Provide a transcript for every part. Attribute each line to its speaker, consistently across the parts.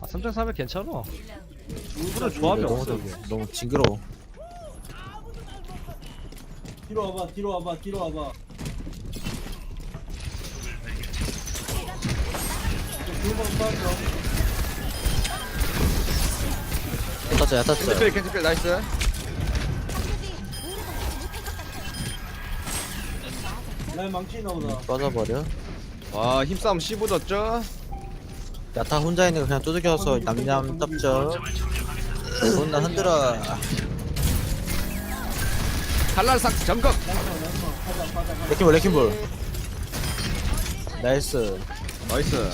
Speaker 1: 3.3에 괜찮아. 일부러 조합이 없어.
Speaker 2: 너무 징그러워.
Speaker 3: 뒤로 와봐, 뒤로 와봐, 뒤로 와봐. 두번 빠져.
Speaker 2: 탔어, 야 탔어.
Speaker 4: 캔슬필 캔슬필 나이스.
Speaker 3: 라인 망치 나오다.
Speaker 2: 빠져버려.
Speaker 4: 와 힘싸움 씹어졌죠?
Speaker 2: 야타 혼자 있는 거 그냥 두들겨서 냠냠 tap죠. 존나 흔들어.
Speaker 4: 칼날삭 점검.
Speaker 2: 레킹볼 레킹볼. 나이스.
Speaker 4: 나이스.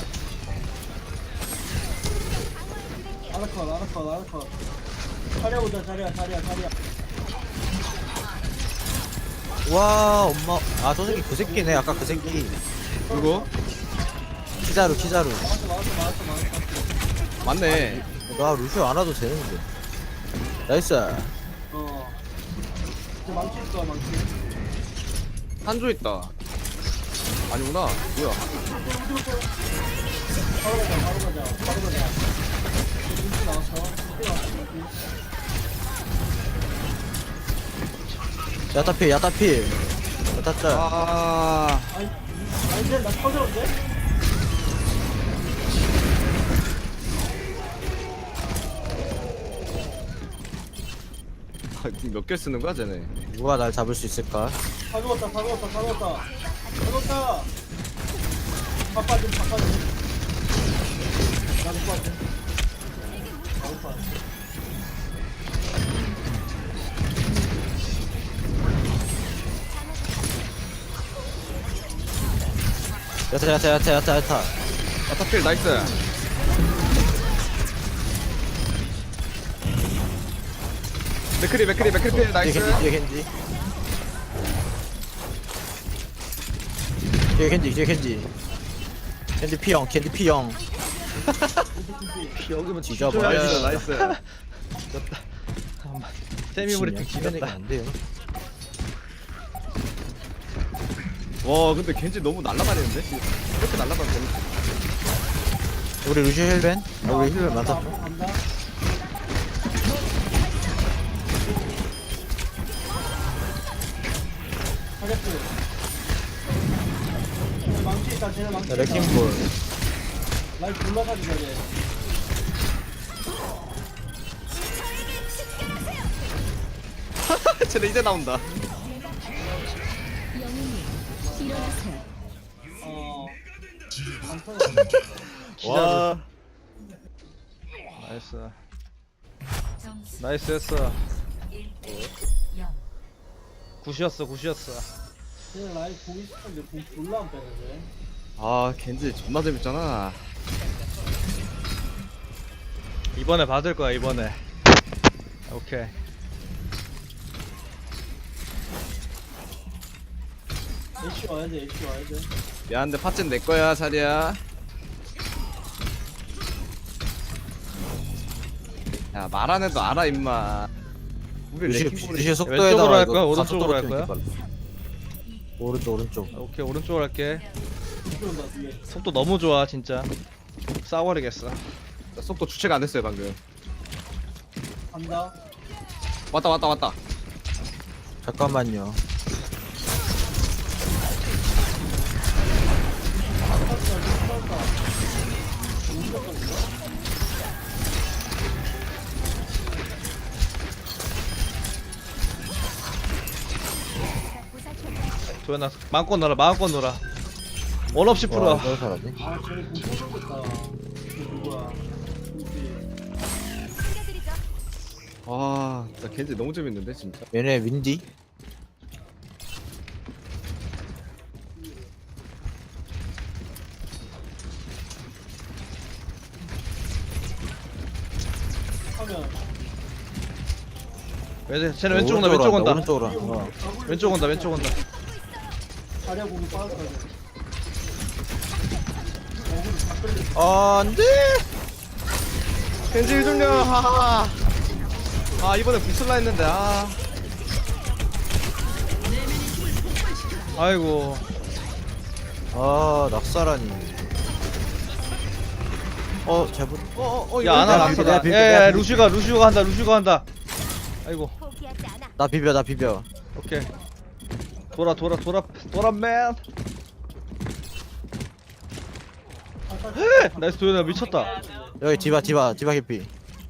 Speaker 3: 아라컷, 아라컷, 아라컷. 자리야보자, 자리야.
Speaker 2: 와 엄마. 아 저 새끼 그 새끼네. 아까 그 새끼.
Speaker 4: 누구?
Speaker 2: 키자루 키자루.
Speaker 3: 맞았어.
Speaker 4: 맞네.
Speaker 2: 나 루시오 안 와도 되는데. 나이스.
Speaker 3: 저 망치 있어, 망치.
Speaker 4: 한조 있다. 아니구나. 뭐야?
Speaker 3: 바로 가자. 눈치 나왔어.
Speaker 2: 야타필 야타필. 야타짤.
Speaker 4: 아
Speaker 3: 아니, 이제 나 터졌는데?
Speaker 4: 몇 개 쓰는 거야 쟤네?
Speaker 2: 누가 날 잡을 수 있을까?
Speaker 3: 다 죽었다. 바빠 좀. 나도 빠져. 나도 빠져.
Speaker 2: 야타.
Speaker 4: 아타필 나이스. 맥크리 나이스.
Speaker 2: 뒤에 켄지. 켄지 피형.
Speaker 1: 여기면
Speaker 2: 뒤져버려.
Speaker 4: 나이스.
Speaker 1: 세미브리팅
Speaker 2: 지면
Speaker 1: 지렸다.
Speaker 2: 안 돼요.
Speaker 4: 와 근데 겐지 너무 날라다니는데? 이렇게 날라다니는
Speaker 2: 우리 루시오 힐벤? 우리 힐벤 많다.
Speaker 3: 간다. 하겠지. 망치 있다. 쟤네 망치. 있다.
Speaker 2: 레킹볼.
Speaker 3: 라인 불러가지고 돼.
Speaker 4: 쟤네 이제 나온다.
Speaker 3: 안 터져.
Speaker 4: 와
Speaker 1: 나이스 했어. 굿이었어.
Speaker 3: 쟤네 라인 보기 싶은데 공 졸라 안 빼는데.
Speaker 4: 아 겐지 존나 재밌잖아.
Speaker 1: 이번에 받을 거야 이번에. 오케이.
Speaker 3: 애쉬 와야 돼.
Speaker 4: 미안한데 팥젠 내 거야 사리야. 야 말 안 해도 알아 임마. 우리 레킹볼이
Speaker 2: 루시오
Speaker 1: 왼쪽으로
Speaker 2: 속도에다가
Speaker 1: 할
Speaker 2: 이거
Speaker 1: 거야?
Speaker 2: 가속도로
Speaker 1: 오른쪽으로 할 거야?
Speaker 2: 키우니까. 오른쪽.
Speaker 1: 오케이 오른쪽으로 할게.
Speaker 3: 들어온다 뒤에.
Speaker 1: 속도 너무 좋아 진짜. 싸워버리겠어.
Speaker 4: 속도 주체가 안 됐어요 방금.
Speaker 3: 간다.
Speaker 4: 왔다.
Speaker 2: 잠깐만요.
Speaker 1: 도현아 마음껏 놀아. 원 없이 풀어.
Speaker 2: 와, 이걸 살았네.
Speaker 3: 아 쟤네 공 터졌겠다. 이거 누구야? 누구지?
Speaker 4: 와 진짜 겐지 너무 재밌는데 진짜.
Speaker 2: 얘네 윈디.
Speaker 3: 하면
Speaker 1: 쟤네 왼쪽 온다.
Speaker 2: 오른쪽으로.
Speaker 1: 왼쪽 온다.
Speaker 3: 자리야 공이 빠졌어.
Speaker 2: 안돼.
Speaker 4: 겐지 좀요. 하하. 아 이번에 부슬라 했는데 아.
Speaker 1: 아이고.
Speaker 2: 아 낙사라니. 제부.
Speaker 1: 야 아나
Speaker 2: 내가
Speaker 1: 났어
Speaker 2: 비벼,
Speaker 1: 나.
Speaker 2: 비벼,
Speaker 1: 야
Speaker 2: 비벼.
Speaker 1: 루시가 한다. 아이고
Speaker 2: 나 비벼.
Speaker 1: 오케이. 돌아 맨. 나이스 도현아 미쳤다.
Speaker 2: 여기 디바 개피.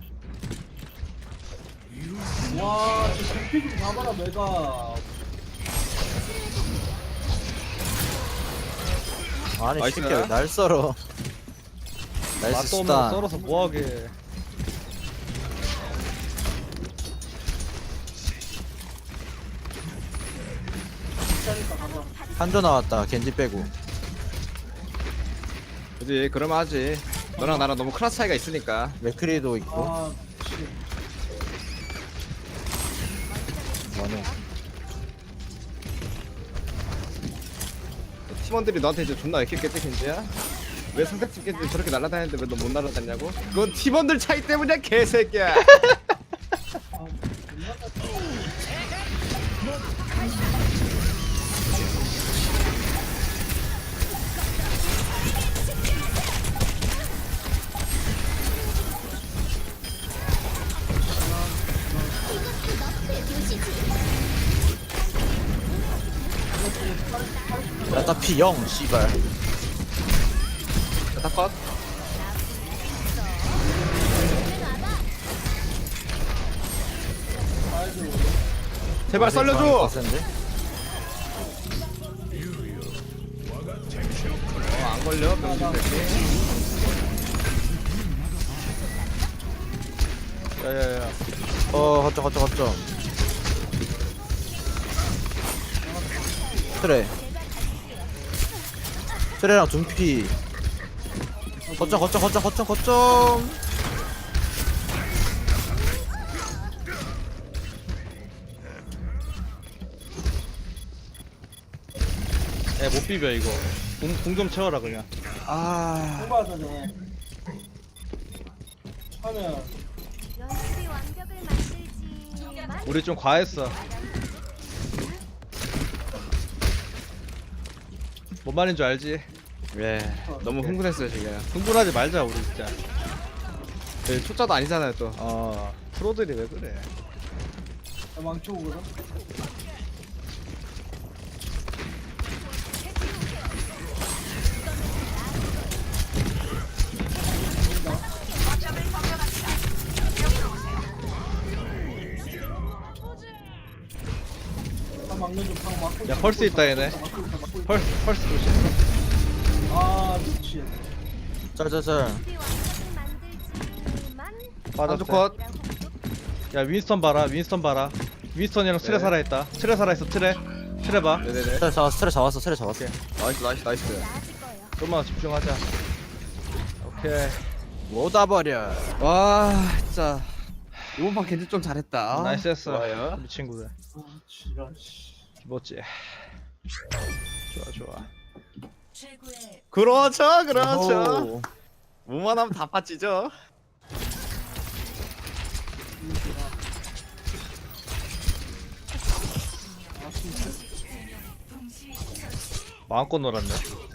Speaker 3: 와, 저 대피 좀 잡아라, 메가.
Speaker 2: 아니
Speaker 4: 나이스.
Speaker 2: 새끼야 날 썰어. 나이스
Speaker 1: 맛도 없는 거
Speaker 2: 스탄.
Speaker 1: 썰어서 뭐하게.
Speaker 2: 한조 나왔다. 겐지 빼고.
Speaker 4: 그지 그러면 하지. 너랑 나랑 너무 클래스 차이가 있으니까.
Speaker 2: 맥크리도 있고.
Speaker 3: 아, 미치.
Speaker 2: 뭐네.
Speaker 4: 팀원들이 너한테 이제 존나 애킬겠지 겐지야? 왜 상대팀 겐지 저렇게 날아다니는데 왜 너 못 날아다니냐고? 그건 팀원들 차이 때문이야 개새끼야.
Speaker 2: 야타 P0 씨발.
Speaker 4: 다 컷. 제발 살려줘.
Speaker 2: 센데?
Speaker 4: 안 걸려 병신 새끼.
Speaker 1: 야야야.
Speaker 2: 거점. 트레랑 둠피. 거점.
Speaker 1: 야못 비벼 이거. 공 좀 채워라 그냥.
Speaker 3: 뽑아서 돼. 하면,
Speaker 5: 연습이 완벽을 만들지만
Speaker 1: 우리 좀 과했어. 뭔 말인 줄 알지?
Speaker 4: 예. 너무 흥분했어요 지금.
Speaker 1: 흥분하지 말자 우리 진짜.
Speaker 4: 네, 초짜도 아니잖아요 또.
Speaker 1: 프로들이 왜 그래?
Speaker 3: 망쳐 오거든. 방 막는 좀, 방 막고.
Speaker 1: 야 펄스 있다 얘네. 펄스 조심.
Speaker 3: 아, 미치.
Speaker 2: 짤.
Speaker 5: 연습이 완벽을 만들지만
Speaker 1: 빠졌어.
Speaker 4: 한쪽 컷.
Speaker 1: 야 윈스턴 봐라. 윈스턴이랑 트레
Speaker 4: 네.
Speaker 1: 살아있다. 트레 살아있어. 트레 봐.
Speaker 4: 네네네.
Speaker 2: 트레 잡았어.
Speaker 4: 나이스.
Speaker 5: 나아질 거예요.
Speaker 1: 좀만 집중하자. 오케이.
Speaker 2: 못 와버려.
Speaker 4: 와 진짜 이번 판 겐지 좀 잘했다.
Speaker 1: 나이스 했어.
Speaker 4: 좋아요.
Speaker 1: 우리 친구들.
Speaker 3: 아, 지랄, 씨.
Speaker 1: 기뻤지. 좋아.
Speaker 4: 그렇죠. 뭐만 하면 다 빠지죠.
Speaker 1: 마음껏 놀았네.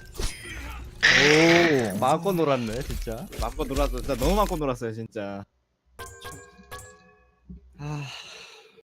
Speaker 2: 오.
Speaker 1: 마음껏 놀았네 진짜.
Speaker 4: 마음껏 놀았어. 진짜 너무 마음껏 놀았어요 진짜. 아